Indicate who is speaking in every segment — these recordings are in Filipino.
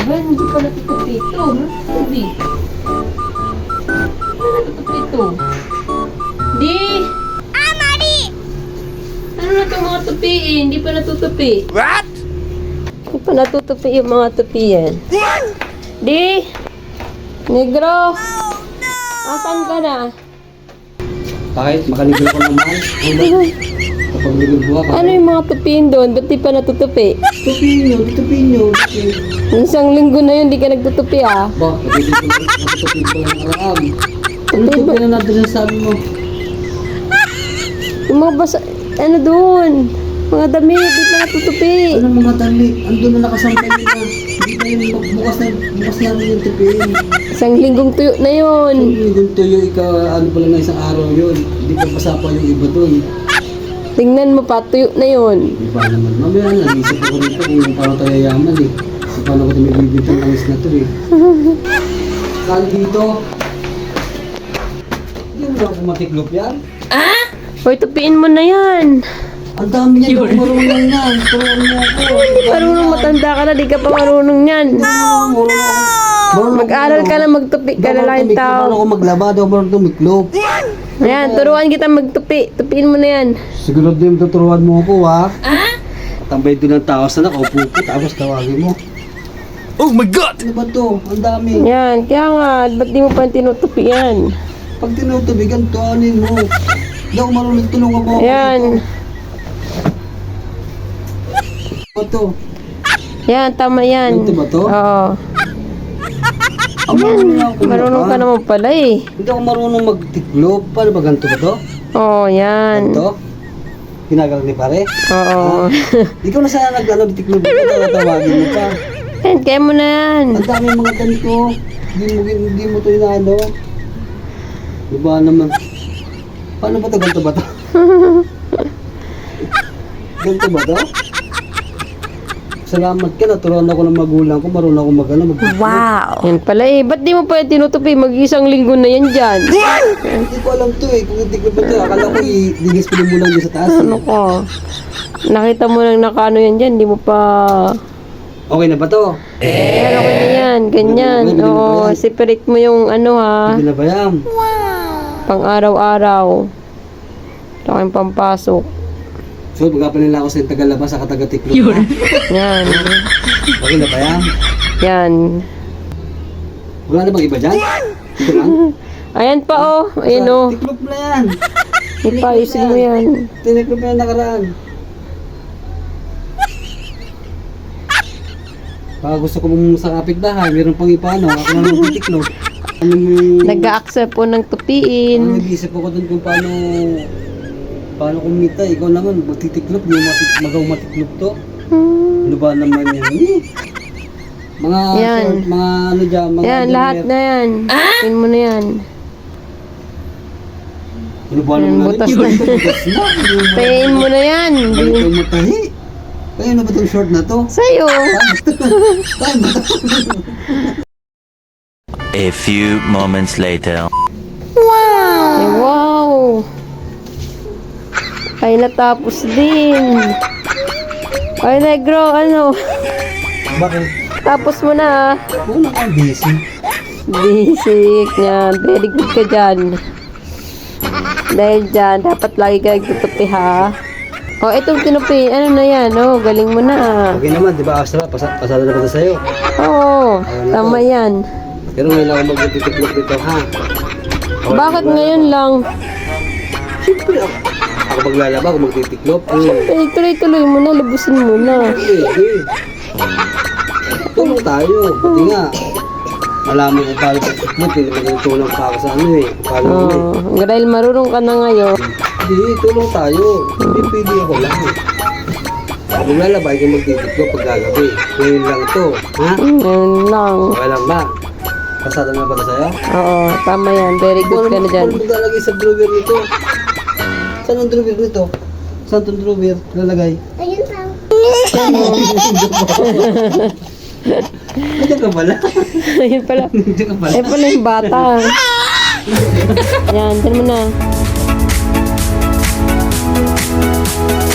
Speaker 1: Bakit hindi pa natutupi ito? Hindi. Ano natutupi ito? Di!
Speaker 2: Mari!
Speaker 1: Ano na itong mga tupi eh? Hindi pa natutupi.
Speaker 3: What?
Speaker 1: Hindi pa natutupi yung mga tupi yan. Di! Negro! Asan ka na?
Speaker 4: Bakit? Makaligo ko naman. Kapag ligo ka.
Speaker 1: Ano yung mga tupiin doon? Ba't di pa natutupi?
Speaker 4: Tupin nyo.
Speaker 1: Isang linggo na yun, di ka nagtutupi ah.
Speaker 4: Ba, natutupin ko lang aram. Ano
Speaker 1: Tupi
Speaker 4: to
Speaker 1: ba?
Speaker 4: na natin sabi mo?
Speaker 1: Yung mga basa, ano doon? Mga damit, di pa natutupi.
Speaker 4: Ano mga tali? Andun na nakasampay nila. Hindi pa yun, bukas namin yung tupin.
Speaker 1: Isang linggong tuyo na yun.
Speaker 4: Yung tuyo, ano pala na isang araw yun. Hindi pa pasapa yung iba dun.
Speaker 1: Tingnan mo pa, tuyo na yun.
Speaker 4: Di ba naman? Mamaya na, isip ko rito kung paano tayo yayaman eh. Kung paano ko tumibibintang ang is na to eh. Saan dito? Hindi mo lang kumatiklop yan.
Speaker 1: Hoy, tupiin mo na yan.
Speaker 4: Ang dami niyan, hindi ko marunong yan. Turuan mo ako.
Speaker 1: Marunong matanda ka na, di ka pa marunong yan. Mag-aral ka na, magtupi ka na lang yung
Speaker 4: Paano
Speaker 1: tao.
Speaker 4: ako maglaba, daw marunong tumiklop.
Speaker 1: Ayan, turuan kita magtupi. Tupiin mo na yan.
Speaker 4: Siguro din tuturuan mo ako ha. Tambay doon ng tao sa nakaupo ko, tapos tawagin mo.
Speaker 3: Oh my God!
Speaker 4: Ano ba to? Ang dami.
Speaker 1: Yan, kaya nga, ba't di mo pa tinutupi yan?
Speaker 4: Pag tinutubigan, tuanin mo. Hindi ako marunong, tulungan mo ako.
Speaker 1: Ayan.
Speaker 4: Ano ba to?
Speaker 1: Yan, tama yan.
Speaker 4: Ganito ba to?
Speaker 1: Oo.
Speaker 4: Ang marunong ako
Speaker 1: Marunong ka naman pala eh.
Speaker 4: Hindi ako marunong magtiklop. Paano ba ganito ba to?
Speaker 1: Oo, yan.
Speaker 4: Ganito? Ginagalang ni pare?
Speaker 1: Oo.
Speaker 4: Ikaw na sana tiklop. Tawagin mo pa.
Speaker 1: Yan, kaya mo na yan.
Speaker 4: Ang dami mga ganito. Hindi mo to inaano. Diba naman? Paano ba to? Ganito ba to? Ganito ba to? Salamat ka, naturuan ako ng magulang ko, marunong ako
Speaker 1: Wow! Yan pala eh. Ba't di mo pa yan tinutupi? Mag-isang linggo na yan dyan.
Speaker 4: Hindi ko alam to eh, kung hindi ko ba to, akala ko i-display mo lang dyan sa taas
Speaker 1: Ano
Speaker 4: eh.
Speaker 1: ko? Nakita mo lang nakano yan dyan. Di mo pa...
Speaker 4: Okay na ba to?
Speaker 1: Pero okay na yan. Ganyan.
Speaker 4: Pwede na ba
Speaker 1: Oo,
Speaker 4: yan?
Speaker 1: separate mo yung ano ha.
Speaker 4: Hindi na ba yan?
Speaker 1: Pang araw-araw. Ito kayong pampasok.
Speaker 4: So, magkapan nila ako sa tagalabas sa katagatiklop ha?
Speaker 1: Yan.
Speaker 4: Okay na ba yan?
Speaker 1: Yan.
Speaker 4: Wala na bang iba dyan? Ito lang?
Speaker 1: Ayan pa oh. Ayan oh.
Speaker 4: Tiklop na yan!
Speaker 1: Ipaisin mo yan.
Speaker 4: Tiniklop na yan nakaraan. Baka gusto ko mong sa kapitbahay, meron pang ipano, ako na lang titiklop. Ano yung...
Speaker 1: Nag-a-accept po ng
Speaker 4: Ano,
Speaker 1: tupiin.
Speaker 4: nag-iisip ako dun kung paano kumita. Ikaw naman, magtitiklop, yung magaw matiklop to. Ano ba naman yan? Mga,
Speaker 1: Yan.
Speaker 4: short, mga ano dyan, mga...
Speaker 1: Yan, lahat na yan. Pin mo na yan.
Speaker 4: Ano ba
Speaker 1: Yan,
Speaker 4: naman?
Speaker 1: butas
Speaker 4: Yun,
Speaker 1: na.
Speaker 4: butas na.
Speaker 1: Pain mo na yan.
Speaker 4: Balik ko matahi. Kaya na ba itong short na to?
Speaker 1: Sa'yo.
Speaker 4: Saan ba to?
Speaker 3: A few moments later.
Speaker 1: Ay, wow. Ay, natapos din. Ay, negro, ano?
Speaker 4: Bakit?
Speaker 1: Tapos mo na ah.
Speaker 4: Oo naman, busy.
Speaker 1: Basic yan. Very good ka dyan. Dahil dyan, dapat lagi ka nagtutupi ha. O, itong tinupi, ano na yan? Oh, galing mo na ah.
Speaker 4: Okay naman, di ba Astra? Pasada na ba ito sa'yo?
Speaker 1: Oo, tama yan.
Speaker 4: Pero ngayon lang ako magtitiklop dito, ha?
Speaker 1: Bakit ngayon lang?
Speaker 4: Siyempre, ako maglalaba, ako magtitiklop.
Speaker 1: Eh, tuloy-tuloy mo na, lubusin mo na.
Speaker 4: Hindi. Tulong tayo. Pati nga, malaman ko paano pagtiklop, hindi pa tulong pa ako sa ano eh. Paano ano eh.
Speaker 1: Oh, dahil marunong ka na ngayon.
Speaker 4: Hindi, tulong tayo. Hindi pwede ako lang. Ako maglalaba, ikaw magtitiklop pag gagabi. Ngayon lang to, ha?
Speaker 1: Ngayon lang.
Speaker 4: Okay lang ba? Pasada na ba ito sa'yo?
Speaker 1: Oo, tama yan. Very good ka na dyan.
Speaker 4: Paano maglalagay sa drawer nito? Saan ang drawer nito? Saan itong drawer lalagay?
Speaker 2: Ayun pa.
Speaker 4: Nandiyan ka pala.
Speaker 1: Ayun pala.
Speaker 4: Nandiyan ka pala.
Speaker 1: Eh pala yung bata. Yan, dyan mo na.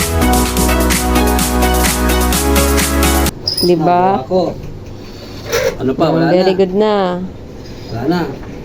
Speaker 1: Diba?
Speaker 4: Ako. Ano pa? Wala
Speaker 1: Very
Speaker 4: na.
Speaker 1: good na.
Speaker 4: Wala na.